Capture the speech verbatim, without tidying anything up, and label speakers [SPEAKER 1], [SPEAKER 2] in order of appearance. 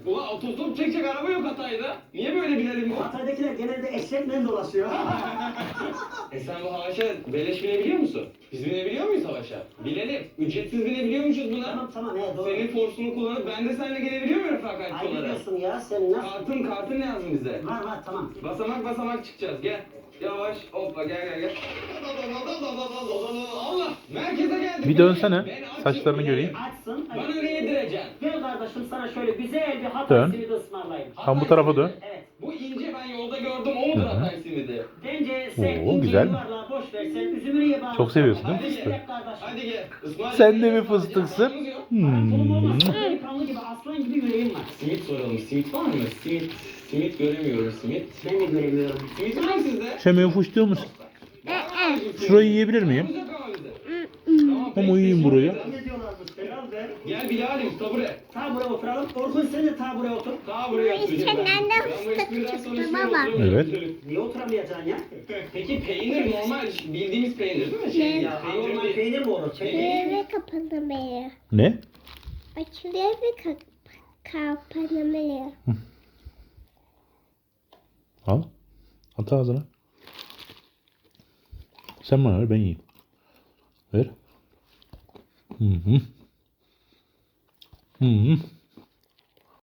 [SPEAKER 1] Ulan otostop çekecek araba yok Hatay'da. Niye böyle binelim bu?
[SPEAKER 2] Hatay'dakiler genelde eşekle dolaşıyor.
[SPEAKER 1] E sen bu Havaş'a beleş binebiliyor musun? Biz binebiliyor muyuz Havaş'a? Binelim. Ücretsiz binebiliyormuşuz buna.
[SPEAKER 2] Tamam tamam he doğru.
[SPEAKER 1] Senin forsunu kullanıp ben de seninle gelebiliyor muyum refakatçi
[SPEAKER 2] Ay
[SPEAKER 1] olarak?
[SPEAKER 2] biliyorsun ya sen nasıl?
[SPEAKER 1] Kartın kartın lazım bize.
[SPEAKER 2] Var var tamam.
[SPEAKER 1] Basamak basamak çıkacağız gel. Yavaş hoppa gel gel gel. Allah merkeze geldik.
[SPEAKER 3] Bir dönsene.
[SPEAKER 1] Ben açım.
[SPEAKER 3] Saçlarını göreyim.
[SPEAKER 2] Açsın. Hadi.
[SPEAKER 1] Bana ne yedireceksin?
[SPEAKER 2] Gel kardeşim sana şöyle güzel bir Hatay
[SPEAKER 3] Dön.
[SPEAKER 2] simidi ısmarlayayım.
[SPEAKER 3] Tam bu tarafa dön.
[SPEAKER 2] Evet.
[SPEAKER 1] Bu ince ben yolda gördüm o mudur
[SPEAKER 3] Hı hı.
[SPEAKER 1] Hatay simidi?
[SPEAKER 2] Bence sen
[SPEAKER 3] Oo,
[SPEAKER 2] ince
[SPEAKER 3] güzel.
[SPEAKER 2] yuvarlağı boş ver. Sen üzümünü ye bana.
[SPEAKER 3] Çok seviyorsun değil mi
[SPEAKER 1] Hadi
[SPEAKER 3] fıstığı?
[SPEAKER 1] gel.
[SPEAKER 2] Kardeşim.
[SPEAKER 1] Hadi gel. İsmail
[SPEAKER 3] Sen de mi
[SPEAKER 1] Bey'in
[SPEAKER 3] fıstıksın?
[SPEAKER 1] paramız yok.
[SPEAKER 2] Pantolonum olmaz.
[SPEAKER 3] Hmm.
[SPEAKER 2] Delikanlı gibi aslan gibi yüreğim var.
[SPEAKER 1] Simit soralım. Simit var mı? Simit. Simit göremiyorum simit.
[SPEAKER 2] Ben de göremiyorum.
[SPEAKER 1] Simit var mı sizde?
[SPEAKER 3] Şemeyi fuşluyor musun?
[SPEAKER 1] Var mı bizim simit?
[SPEAKER 3] Şurayı yiyebilir miyim?
[SPEAKER 1] Paramız yok ama bizde. Tamam, peki,
[SPEAKER 3] Ama yiyeyim
[SPEAKER 1] teşekkür
[SPEAKER 3] burayı.
[SPEAKER 1] ederim.
[SPEAKER 2] Ne diyorlarmış Celal be?
[SPEAKER 1] Gel Bilal'im tabure.
[SPEAKER 2] Ta buraya oturalım. Orkun sen de ta buraya otur.
[SPEAKER 1] Daha buraya oturacağım ben.
[SPEAKER 4] içinden de
[SPEAKER 1] Ben bu
[SPEAKER 4] fıstık
[SPEAKER 1] espriden sonra
[SPEAKER 4] çıktı
[SPEAKER 1] şuraya
[SPEAKER 4] baba.
[SPEAKER 1] oturamıyorum.
[SPEAKER 3] Evet.
[SPEAKER 2] Niye oturamayacaksın ya?
[SPEAKER 1] Peki peynir normal bildiğimiz peynir değil mi? Şey,
[SPEAKER 2] Ya
[SPEAKER 1] peynir
[SPEAKER 2] normal
[SPEAKER 1] değil.
[SPEAKER 2] peynir mi olur? Peynir.
[SPEAKER 4] Eve kapanamıyor.
[SPEAKER 3] Ne?
[SPEAKER 4] Açılıyor ve ka kapanamıyor.
[SPEAKER 3] Al. At ağzına. Sen bana ver ben yiyeyim. Ver. Hı hı. Hı hı.